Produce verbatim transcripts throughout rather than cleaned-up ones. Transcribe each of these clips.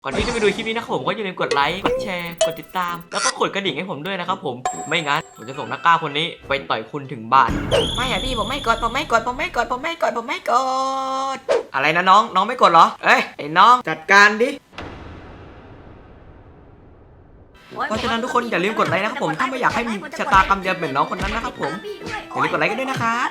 ก่อนที่จะไปดูคลิปนี้นะครับผมก็อย่าลืมกดไลค์กดแชร์กดติดตามแล้วก็กดกระดิ่งให้ผมด้วยนะครับผมไม่งั้นผมจะส่งนักกล้าคนนี้ไปต่อยคุณถึงบ้านไม่อะพี่ผมไม่กดผมไม่กดผมไม่กดผมไม่กดผมไม่กดอะไรนะน้องน้องไม่กดเหรอเอ้ยไอ้น้องจัดการดิเพราะฉะนั้นทุกคนอย่าลืมกดไลค์นะครับผมถ้าไม่อยากให้มีชะตากรรมเดียวเหมือนน้องคนนั้นนะครับผมอย่าลืมกดไลค์กันด้วยนะครับ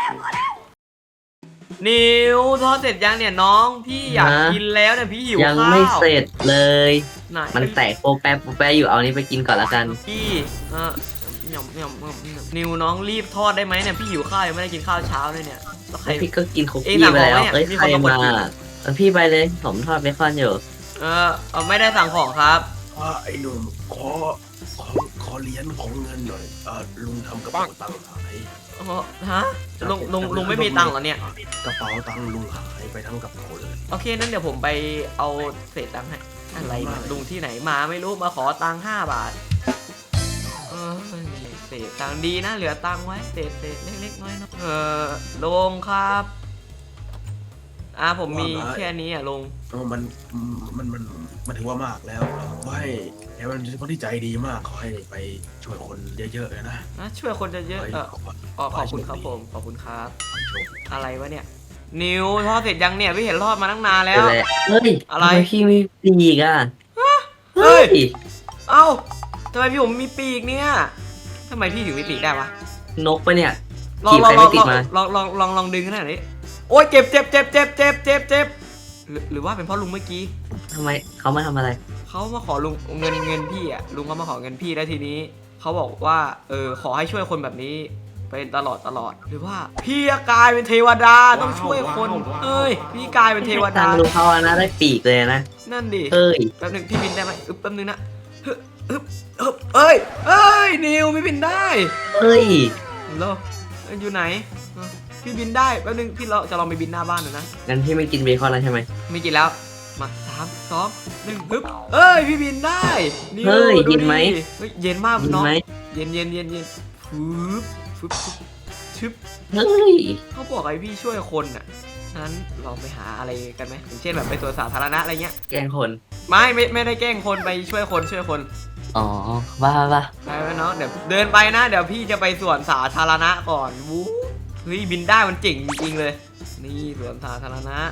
นิวทอดเสร็จยังเนี่ยน้องพี่อยากกินแล้วเนี่ยพี่หิวข้าวยังไม่เสร็จเลยมันแตกโปแปะโปแปะอยู่เอานี้ไปกินก่อนละกันพี่เออหย่อมหย่อมนิวน้องรีบทอดได้ไหมเนี่ยพี่หิวข้าวยังไม่ได้กินข้าวเช้าเลยเนี่ยแล้วใครพี่ก็กินคุกกี้ไปแล้วเอ้ยใครมาพี่ไปเลยผมทอดเบคอนอยู่เออไม่ได้สั่งของครับไอ้หนุ่มขอขอขอเหรียญของเงินหน่อยอ่าลุงทำกระเป๋าตังค์หายอ๋อฮะลุงลุงลุงไม่มีตังค์เหรอเนี่ยกระเป๋าตังค์ลุงหายไปทั้งกระเป๋าเลยโอเคนั้นเดี๋ยวผมไปเอาเศษตังค์ให้อะไรลุงที่ไหนมาไม่รู้มาขอตังค์ห้าบาทเออเศษตังค์ดีนะเหลือตังค์ไว้เศษเศษเล็กๆน้อยๆเออลุงครับอ่าผมมีแค่นี้อ่ะลุงมันมันมันมันถือว่ามากแล้วไม่แกมันเป็นคนที่ใจดีมากขอให้ไปช่วยคนเยอะๆเลยนะนะช่วยคนเยอะๆเออขอบคุณครับผมขอบคุณครับอะไรวะเนี่ยนิวทอดเสร็จยังเนี่ยพี่เห็นทอดมาตั้งนานแล้วเฮ้ยอะไรพี่มีปีกอ่ะเฮ้ยเอ้าทำไมพี่ผมมีปีกเนี่ยทำไมพี่ถึงมีปีกได้วะนกปะเนี่ยลองลองลองลองลองลองลองดึงขนาดนี้โอ๊ยเจ็บเจ็บเจ็บเจ็บเจ็บเจ็บเจ็บหรือว่าเป็นเพราะลุงเมื่อกี้ทำไมเขามาทำอะไรเขามาขอลุงเงินเงินพี่อ่ะลุงเขามาขอเงินพี่แล้วทีนี้เขาบอกว่าเออขอให้ช่วยคนแบบนี้เป็นตลอดตลอดหรือว่าพี่กลายเป็นเทวดาต้องช่วยคนเอ้ยพี่กลายเป็นเทวดาลุงเขาอะนะได้ปีกเลยนะนั่นดิเอ้ยแป๊บนึงพี่บินได้ไหมอึ๊บแป๊บนึงนะฮึบฮึบฮึบเอ้ยเอ้ยนิวพี่บินได้เอ้ยโลอยู่ไหนพี่บินได้แป๊บนึงพี่เราจะลองไปบินหน้าบ้านหน่อยนะงั้นพี่ไม่กินเบคอนแล้วใช่ไหมไม่กินแล้วมาสามสองหนึ่งฮึบเอ้ยพี่บินได้เฮ้ยเย็นไหมเย็นมากน้องเย็นเย็นเย็นเย็นฟึบฟึบชึบเฮ้ยเขาบอกให้พี่ช่วยคนอ่ะนั้นเราไปหาอะไรกันไหมอย่างเช่นแบบไปสวนสาธารณะอะไรเงี้ยแกล้งคนไม่ไม่ไม่ได้แกล้งคนไปช่วยคนช่วยคนอ๋อว่าว่าไปไปเนาะเดี๋ยวเดินไปนะเดี๋ยวพี่จะไปสวนสาธารณะก่อนวู้เฮ้ยบินได้มันเจ๋งจริงๆเลยนี่สวนสาธารณะ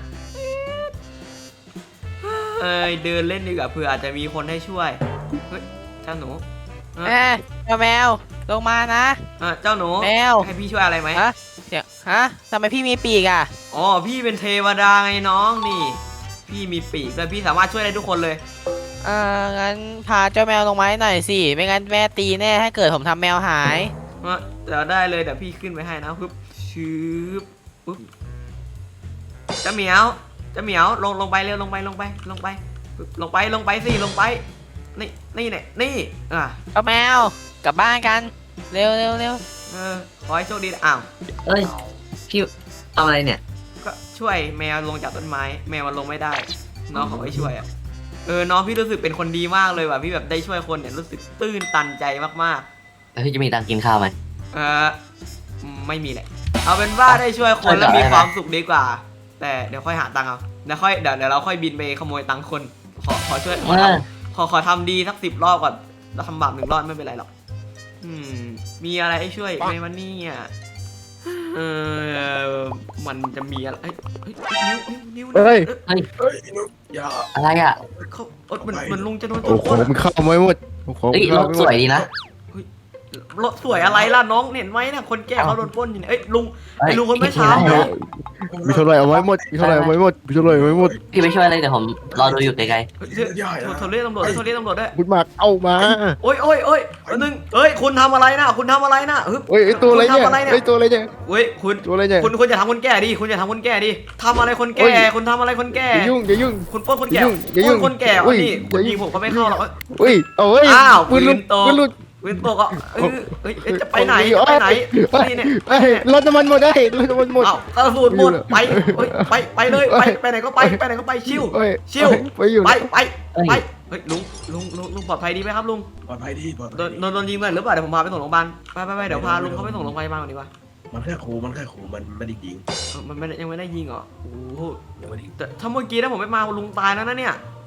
เอ้ยเดินเล่นดีกว่าเผื่ออาจจะมีคนให้ช่วยเฮ้ยเจ้าหนูเอ้เจ้าแมวลงมานะเจ้าหนูแมวให้พี่ช่วยอะไรไหมฮะเดี๋ยวฮะทำไมพี่มีปีกอ่ะอ๋อพี่เป็นเทวดาไงน้องนี่พี่มีปีกเลยพี่สามารถช่วยได้ทุกคนเลยเอองั้นพาเจ้าแมวลงมาหน่อยสิไม่งั้นแม่ตีแน่ถ้าเกิดผมทำแมวหายเดี๋ยวได้เลยเดี๋ยวพี่ขึ้นไปให้นะปึ๊บชืบปึ๊บจะเหมียวจะเหมียวลงลงไปเร็วลงไปลงไปลงไปลงไปลงไปสิลงไปนี่นี่เนี่ยนี่อ่ะเอาแมวกลับบ้านกันเร็วเร็วเร็วเออขอให้โชคดีอ้าวเอ้ยพี่เอาอะไรเนี่ยก็ช่วยแมวลงจากต้นไม้แมวมันลงไม่ได้น้องขอให้ช่วยอ่ะเออน้องพี่รู้สึกเป็นคนดีมากเลยว่ะพี่แบบได้ช่วยคนเนี่ยรู้สึกตื้นตันใจมากๆแล้วพี่จะมีตังกินข้าวไหมเออไม่มีแหละเอาเป็นว่าได้ช่วยคนแล้วมีความสุขดีกว่าแต่เดี๋ยวค่อยหาตังค์เอาเดี๋ยวค่อยเดี๋ยวเดี๋ยวเราค่อยบินไปขโมยตังค์คนขอขอช่วยขอทำขอขอทำดีสักสิบรอบก่อนเราทำบาปหนึ่งรอบไม่เป็นไรหรอกอืมมีอะไรให้ช่วยไหมวันนี้อ่ะเออมันจะมีอะไรเฮ้ยนิ้วนิ้วเฮ้ยเฮ้ยอย่าอะไรอ่ะเขาเหมือนเหมือนลุงจะโดนโอ้โหมันเข้าไม่หมดเฮ้ยรถสวยดีนะรถสวยอะไรล่ะน้องเห็นไหมเนี่ยคนแก่เขาโดนปล้นอยู่เนี่ยเอ้ยลุงไอ้ลุงคนไม่ช้ามีเท่าไรเอาไว้หมดมีเท่าไรเอาไว้หมดมีเท่าไรเอาไว้หมดพี่ไม่ช่วยอะไรเดี๋ยวผมรอดูอยู่ไกลๆโทรเรียกตำรวจโทรเรียกตำรวจด้วยคุณมากเอามาโอ้ยโอ้ยโอ้ยนึงเฮ้ยคุณทำอะไรนะคุณทำอะไรนะเฮ้ยไอตัวอะไรเนี่ยไอตัวอะไรเนี่ยเฮ้ยคุณตัวอะไรเนี่ยคุณคุณอย่าทำคนแก่ดิคุณอย่าทำคนแก่ดิทำอะไรคนแก่คุณทำอะไรคนแก่อย่ายุ่งอย่ายุ่งคุณปล้นคนแก่อย่ายุ่งคนแก่นี่คุณยิงผมเขาไม่เข้าหรอกเฮ้ยโอ้ยอ้าวปืนลุดปืนลุดวินโตก็เอ้ยจะไปไหนไปไหนนี่เนี่ยรถน้ำมันหมดได้รถน้ำมันหมดอ้าวกระสุนหมดไปไปไปเลยไปไปไหนก็ไปไปไหนก็ไปชิวชิวไปอยู่ไปไปไปเฮ้ยลุงลุงลุงลุงปลอดภัยดีไหมครับลุงปลอดภัยดีปลอดภัยโดนโดนโดนยิงเลยหรือเปล่าเดี๋ยวผมพาไปส่งโรงพยาบาลไปไปไปเดี๋ยวพาลุงเขาไปส่งโรงพยาบาลก่อนดีกว่ามันแค่ขู่มันแค่ขู่มันไม่ได้ยิงมันไม่ยังไม่ได้ยิงเหรอโอ้โหยังไม่ได้แต่ถ้าเมื่อกี้ถ้าผมไม่มาลุงตายแล้วนะเนี่ย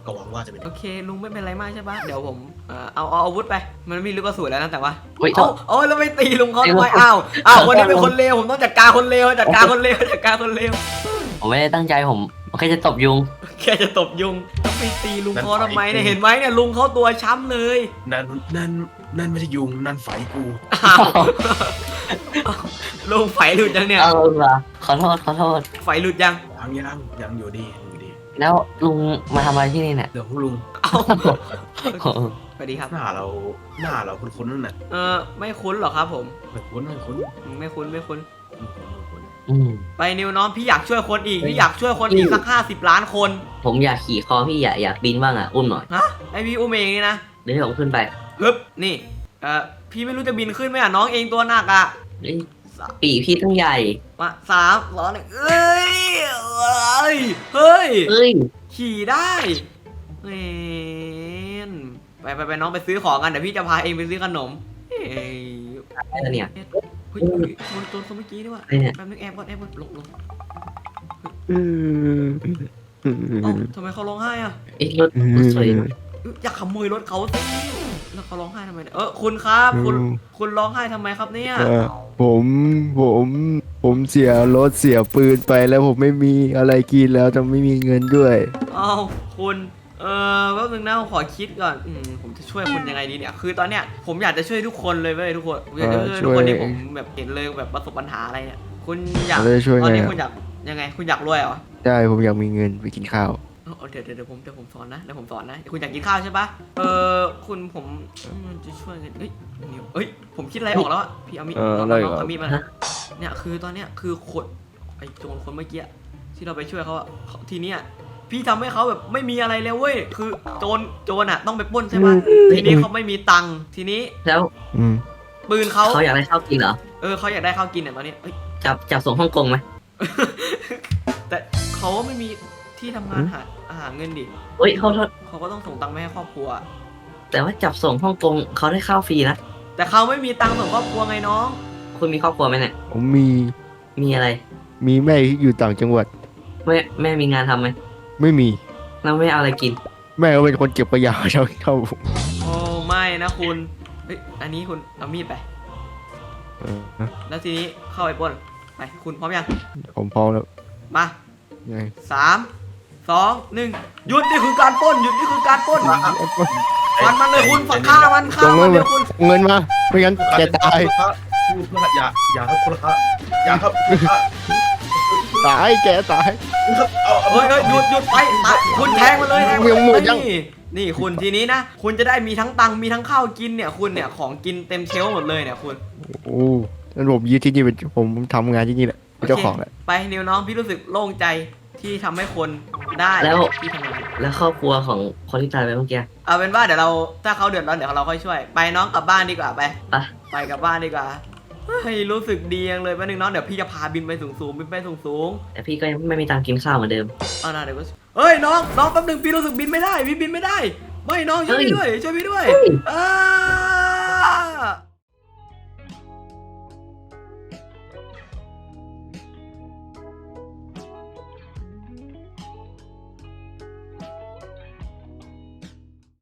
ก็หวังว่าจะเป็นโอเคลุงไม่เป็นไรมากใช่ปะเดี๋ยวผมเอ่อเอาเอาอาวุธไปมันมีลูกกระสุนแล้วนะแต่ว่าเฮ้ยเอาเอาแล้วไม่ตีลุงเขาทำไมอ้าวอ้าวคนนี้เป็นคนเลวผมต้องจัดการคนเลวจัดการคนเลวจัดการคนเลวผมไม่ได้ตั้งใจผมผมแค่จะตบยุงแค่จะตบยุงต้องไปตีลุงเขาทำไมเนี่ยเห็นไหมเนี่ยลุงเขาตัวช้ำเลยนั่นนั่นนั่นไม่ใช่ยุงนั่นไฟกูอ้าวลุงไฟหลุดยังเนี่ยเอาเหรอขอโทษขอโทษไฟหลุดยังยังยังยังอยู่ดีอยู่ดีแล้วลุงมาทำอะไรที่นี่เนี่ยเดี๋ยวพวกลุงเอ้าสวัสดีครับหน้าเราหน้าเราคุ้นๆนั่นน่ะเออไม่คุ้นหรอครับผมไม่คุ้นไม่คุ้นไม่คุ้นไม่คุ้นไม่คุ้นไม่คุ้นอืมไปนิวน้องพี่อยากช่วยคนอีกพี่อยากช่วยคนอีกสักห้าสิบล้านคนผมอยากขี่คอพี่อยากอยากบินบ้างอ่ะอุ้มหน่อยฮะไอพี่อุ้มเองนี่นะเดี๋ยวผมขึ้นไปฮึบนี่เออพี่ไม่รู้จะบินขึ้นไหมอ่ะน้องเองตัวหนักอ่ะเอ้ยปีกพี่ตั้งใหญ่มาสามสองหนึ่งเอ้ยเอ้ยเฮ้ยเอ้ยขี่ได้เอ็นไปไปไปน้องไปซื้อของกันเดี๋ยวพี่จะพาเองไปซื้อขนมเอ้ยอะไรเนี่ยเฮ้ยเฮ้ยโดนโดนคนเมื่อกี้ด้วยว่ะไอ้เนี่ยแป๊บนึงแอบก่อนแอบก่อนลงลงอืมเอ้าทำไมเขาร้องไห้อ่ะไอ้รถรถสวยเอ้ยอยากขโมยรถเขาสิแล้วเขาร้องไห้ทำไมเนี่ยเออคุณครับคุณคุณร้องไห้ทำไมครับเนี่ยเอ่อผมผมผมเสียรถเสียปืนไปแล้วผมไม่มีอะไรกินแล้วจะไม่มีเงินด้วยเอ้าคุณเออแป๊บนึงนะผมขอคิดก่อนอืมผมจะช่วยคุณยังไงดีเนี่ยคือตอนเนี้ยผมอยากจะช่วยทุกคนเลยเว้ยทุกคนผมอยากจะช่วยทุกคนที่ผมแบบเห็นเลยแบบประสบปัญหาอะไรเนี่ยคุณอยากเราจะช่วยตอนไงนี้อะคุณอยากยังไงคุณอยากรวยเหรอได้ผมอยากมีเงินไปกินข้าวเออเดี๋ยวเดี๋ยวเดี๋ยวผมเดี๋ยวผมสอนนะเดี๋ยวผมสอนนะคุณอยากกินข้าวใช่ปะเออคุณผมมันจะช่วยไงเอ้ยนิวเอ้ยผมคิดอะไรออกแล้วอะพี่เอามีดเออน้องอะไรน้องเหรอเอามีดมานะเนี่ยคือตอนเนี้ยคือคนไอ้โจรคนเมื่อกี้ที่เราไปช่วยเขาอะเขาทีเนี้ยพี่ทำให้เขาแบบไม่มีอะไรแล้วเว้ยคือโจรโจรอะต้องไปปล้นใช่ปะทีนี้เขาไม่มีตังค์ทีนี้แล้วอืมปืนเขาเขาอยากได้ข้าวกินเหรอเออเขาอยากได้ข้าวกินเนี่ยตอนนี้เอ้ยจับจับส่งฮ่องกงไหมแต่เขาไม่มีที่ทำงานหาหาเงินดิเฮ้ยเขาโทษเขาก็ต้องส่งตังค์ไปให้ครอบครัวแต่ว่าจับส่งฮ่องกงเขาได้ข้าวฟรีนะแต่เขาไม่มีตังค์ส่งครอบครัวไงน้องคุณมีครอบครัวไหมเนี่ยผมมีมีอะไรมีแม่ที่อยู่ต่างจังหวัดแม่แม่มีงานทำไหมไม่มีแล้วแม่เอาอะไรกินแม่ก็เป็นคนเก็บขยะเช่าเช่าผมโอ้ไม่นะคุณเฮ้ยอันนี้คุณเอามีดไปเออแล้วทีนี้เข้าไปปล้นไปคุณพร้อมยังผมพร้อมแล้วมาไงสามสองหนึ่งหยุดนี่คือการปล้นหยุดนี่คือการปล้นฟันมันเลยคุณฝักฆ่ามันฆ่ามันเดี๋ยวคุณเงินมาไม่งั้นแกตายพูดเพื่ออย่าอย่าครับคุณละอย่าครับคุณละตายแกตายครับเอาเอาเฮ้ยเฮ้ยหยุดหยุดไปตายคุณแทงมันเลยแทงมันยังหมดยังนี่นี่คุณทีนี้นะคุณจะได้มีทั้งตังค์มีทั้งข้าวกินเนี่ยคุณเนี่ยของกินเต็มเชลฟ์หมดเลยเนี่ยคุณโอ้งั้นผมยึดที่นี่เป็นผมทำงานที่นี่แหละเป็นเจ้าของแหละไปนิวน้องพี่รู้สึกโล่งใจที่ทำให้คนได้แล้วที่ทำงานแล้วครอบครัวของคนที่ตายไปเมื่อกี้เอาเป็นว่าเดี๋ยวเราถ้าเขาเดือดร้อนเดี๋ยวเราค่อยช่วยไปน้องกลับบ้านดีกว่าไปไปไปกลับบ้านดีกว่าเฮ้ยรู้สึกดีจังเลยแป๊บนึงน้องเดี๋ยวพี่จะพาบินไปสูงสูงๆบินไปสูงสูงแต่พี่ก็ยังไม่มีตังค์กินข้าวเหมือนเดิมๆเอานะเดี๋ยวก็เฮ้ยน้องน้องแป๊บนึงพี่รู้สึกบินไม่ได้พี่บินไม่ได้ไม่น้องช่วยพี่ด้วยช่วยพี่ด้วยเฮ้ยอ้า